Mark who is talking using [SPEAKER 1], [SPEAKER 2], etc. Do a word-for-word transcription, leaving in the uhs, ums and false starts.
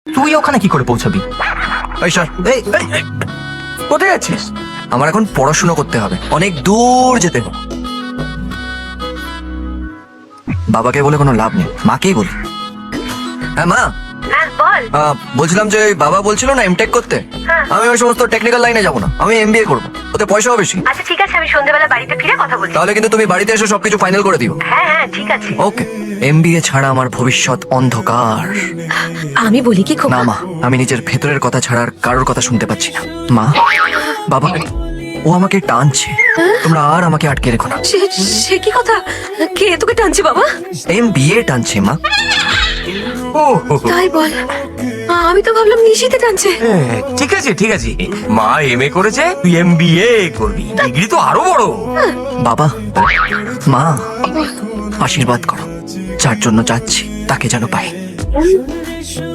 [SPEAKER 1] তুই ওখানে কি করে পৌঁছাবি?
[SPEAKER 2] এই সর,
[SPEAKER 1] এই এই, এই, কোথায় আছিস?
[SPEAKER 2] আমার এখন পড়াশোনা করতে হবে, অনেক দূর যেতে হবে। বাবাকে বলে কোনো লাভ নেই, মাকেই বলি। হ্যাঁ মা,
[SPEAKER 3] হ্যাঁ বল।
[SPEAKER 2] আহ, বলছিলাম যে ওই বাবা বলছিল না এমটেক করতে,
[SPEAKER 3] হ্যাঁ।
[SPEAKER 2] আমি ওই সমস্ত টেকনিক্যাল লাইনে যাবো না, আমি এমবিএ করবো, ওতে পয়সাও বেশি।
[SPEAKER 3] আচ্ছা ঠিক আছে, আমি সন্ধ্যাবেলা বাড়িতে ফিরে কথা বলছি।
[SPEAKER 2] তাহলে কিন্তু তুমি বাড়িতে এসে সবকিছু ফাইনাল করে দিও।
[SPEAKER 3] হ্যাঁ হ্যাঁ ঠিক আছে।
[SPEAKER 2] ওকে। এমবিএ ছাড়া আমার ভবিষ্যৎ অন্ধকার।
[SPEAKER 3] আমি বলি কি খুব
[SPEAKER 2] না মা, আমি নিজের ভেতরের কথা ছাড়া আর কারোর কথা শুনতে পাচ্ছি না। মা, বাবা, ও আমাকে টানছে, তোমরা আর আমাকে আটকে রেখো না।
[SPEAKER 3] সে সে কি কথা? কে তোকে টানছে বাবা?
[SPEAKER 2] এমবিএ টানছে মা।
[SPEAKER 1] ও হো, হো।
[SPEAKER 3] তাই বল, আমি তো ভাবলাম নিশিতে টানছে।
[SPEAKER 1] হ্যাঁ, ঠিক আছে ঠিক আছে, মা এম এ করেছে, তুই এম বি এ করবি, ডিগ্রি তো আরো বড়।
[SPEAKER 2] বাবা, মা, আশীর্বাদ করো, যার জন্য যাচ্ছি তাকে যেন পাই।